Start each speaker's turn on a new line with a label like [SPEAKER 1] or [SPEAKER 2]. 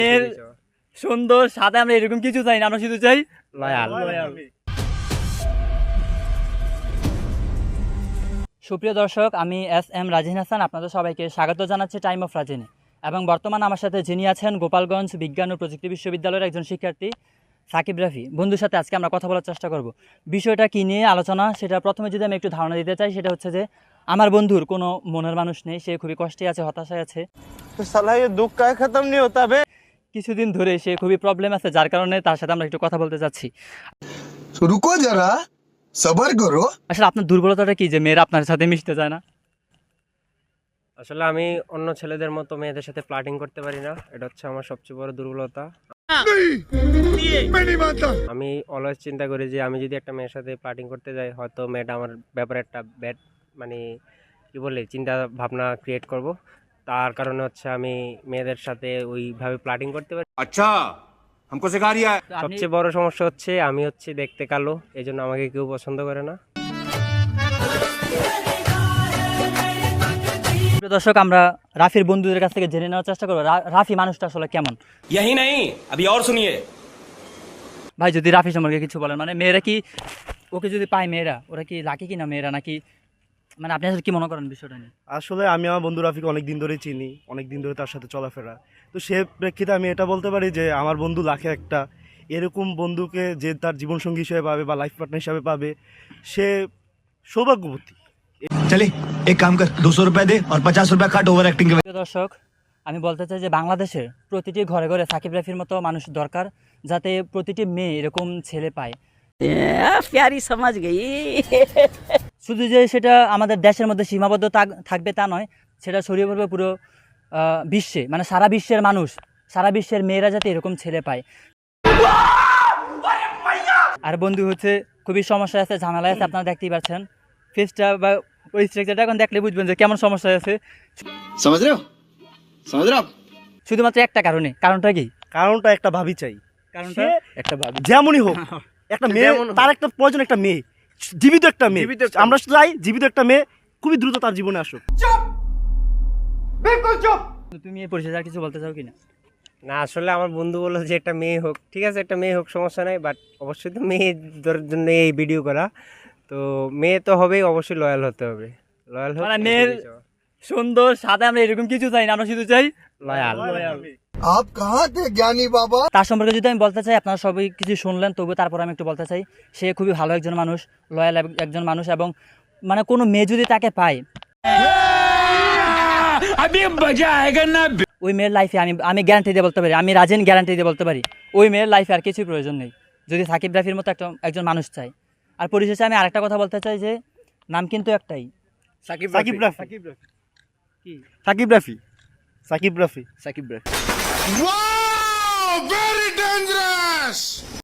[SPEAKER 1] এর সুন্দর সাথে আমরা এরকম কিছু চাই না, আমরা শুধু চাই লয়াল। সুপ্রিয় দর্শক, আমি SM রাজিন হাসান, আপনাদের সবাইকে স্বাগত জানাচ্ছি টাইম অফ রাজিনে। এবং বর্তমানে আমার সাথে যিনি আছেন গোপালগঞ্জ বিজ্ঞান ও প্রযুক্তি বিশ্ববিদ্যালয়ের একজন শিক্ষার্থী সাকিব রাফি। বন্ধুর সাথে আজকে আমরা কথা বলার চেষ্টা করব। বিষয়টা কী নিয়ে আলোচনা, সেটা প্রথমে যদি আমি একটু ধারণা দিতে চাই, সেটা হচ্ছে যে আমার বন্ধুর কোনো মনের মানুষ নেই, সে খুবই কষ্টে আছে, হতাশায় আছে।
[SPEAKER 2] দুঃখ খতম নেই হতা বে।
[SPEAKER 1] কিছুদিন ধরে সে খুবই প্রবলেম আছে, যার কারণে তার সাথে আমরা একটু কথা বলতে চাচ্ছি।
[SPEAKER 3] রুকো যারা, সবার করো।
[SPEAKER 1] আসলে আপনার দুর্বলতাটা কি যে মেয়েরা আপনার সাথে মিশতে চায় না?
[SPEAKER 2] আসলে আমি অন্য ছেলেদের মতো মেয়েদের সাথে প্লাটিং করতে পারি না, এটা হচ্ছে আমার সবচেয়ে বড় দুর্বলতা। আমি অলওয়েজ চিন্তা করি যে আমি যদি একটা মেয়ের সাথে প্লাটিং করতে যাই, হয়তো মেয়েটা আমার ব্যাপারে একটা ব্যাড মানে কি বলে চিন্তা ভাবনা ক্রিয়েট করব। তার কারণে হচ্ছে আমি মেয়েদের সাথে ওইভাবে প্লাটিং করতে পারি।
[SPEAKER 3] আচ্ছা, हमको सिखा रिया है।
[SPEAKER 2] সবচেয়ে বড় সমস্যা হচ্ছে আমি হচ্ছে দেখতে কালো, এই জন্য আমাকে কেউ পছন্দ করে না।
[SPEAKER 1] প্রিয় দর্শক, আমরা রাফির বন্ধুদের কাছ থেকে জেনে নেওয়ার চেষ্টা করবো রাফি মানুষটা আসলে কেমন।
[SPEAKER 4] यही नहीं अभी और सुनिए।
[SPEAKER 1] ভাই, যদি রাফি সম্পর্কে কিছু বলেন, মানে মেয়েরা কি ওকে যদি পায়, মেয়েরা ওরা কি লাকি কিনা মেয়েরা, নাকি মানে আপনি আসলে কি মনে করেন বিষয়টা নিয়ে?
[SPEAKER 5] আসলে আমি আমার বন্ধু রাফিকে অনেক দিন ধরে চিনি, অনেক দিন ধরে তার সাথে চলাফেরা। তো সে প্রেক্ষিতে আমি এটা বলতে পারি যে আমার বন্ধু লাখে একটা। এরকম বন্ধুকে যে তার জীবনসঙ্গী হিসেবে পাবে বা লাইফ পার্টনার হিসাবে পাবে, সে সৌভাগ্যবতী।
[SPEAKER 3] चले एक काम कर, 200 रुपए दे और 50 रुपए काट ओवर एक्टिंग के।
[SPEAKER 1] প্রিয় দর্শক, আমি বলতে চাই যে বাংলাদেশের প্রতিটি ঘরে ঘরে সাকিব রাফির মতো মানুষ দরকার, যাতে প্রতিটি মেয়ে এরকম ছেলে পায়।
[SPEAKER 6] प्यारी समझ गई।
[SPEAKER 1] শুধু যে সেটা আমাদের দেশের মধ্যে সীমাবদ্ধ থাকবে তা নয়, সেটা ছড়িয়ে পড়বে পুরো বিশ্বে, মানে সারা বিশ্বের মানুষ, সারা বিশ্বের মেয়েরা যাতে এরকম ছেলে পায়। আর বন্ধু হচ্ছে খুবই সমস্যা আছে, ঝামেলা আছে, আপনারা দেখতেই পাচ্ছেন ফেসটা বা ওই স্ট্রাকচারটা এখন দেখলে বুঝবেন যে কেমন সমস্যা আছে।
[SPEAKER 3] समझ रहे हो, समझ रहे हो आप?
[SPEAKER 1] শুধুমাত্র একটা কারণটা কি?
[SPEAKER 5] কারণটা একটা ভাবি চাই,
[SPEAKER 1] কারণটা একটা ভাবি
[SPEAKER 5] যেমনই হোক একটা মেয়ে, তার একটা প্রয়োজন, একটা মেয়ে, জীবিত একটা মেয়ে। আমরা চাই জীবিত একটা মেয়ে খুবই দ্রুত তার জীবনে আসুক।
[SPEAKER 1] তুমি এই পরিচয় আর কিছু বলতে চাও কিনা?
[SPEAKER 2] না, আসলে আমার বন্ধু বললো যে একটা মেয়ে হোক, ঠিক আছে একটা মেয়ে হোক, সমস্যা নাই, বাট অবশ্যই তো মেয়েদের জন্য এই ভিডিও করা, তো মেয়ে তো হবেই, অবশ্যই লয়াল হতে হবে। লয়াল
[SPEAKER 1] মানে মেয়ের সুন্দর সাথে আমরা এরকম কিছু চাই না, আমরা শুধু চাই লয়াল।
[SPEAKER 3] आप कहाँ थे ज्ञानी बाबा?
[SPEAKER 1] তার সম্পর্কে যদি আমি বলতে চাই, আপনারা সবাই কিছু শুনলেন, তবু তারপর আমি একটু বলতে চাই, সে খুবই ভালো একজন মানুষ, লয়াল একজন মানুষ, এবং মানে কোনো মেয়ে যদি তাকে পায়, ওই মেয়ের লাইফে আমি গ্যারান্টি দিয়ে বলতে পারি, আমি রাজেন গ্যারান্টি দিয়ে বলতে পারি, ওই মেয়ের লাইফে আর কিছুই প্রয়োজন নেই, যদি সাকিব রাফির মতো একজন মানুষ চাই। আর পরিশেষে আমি আরেকটা কথা বলতে চাই যে নাম কিন্তু একটাই,
[SPEAKER 5] Shakib Rafi. Shakib Rafi.
[SPEAKER 3] Wow, very dangerous.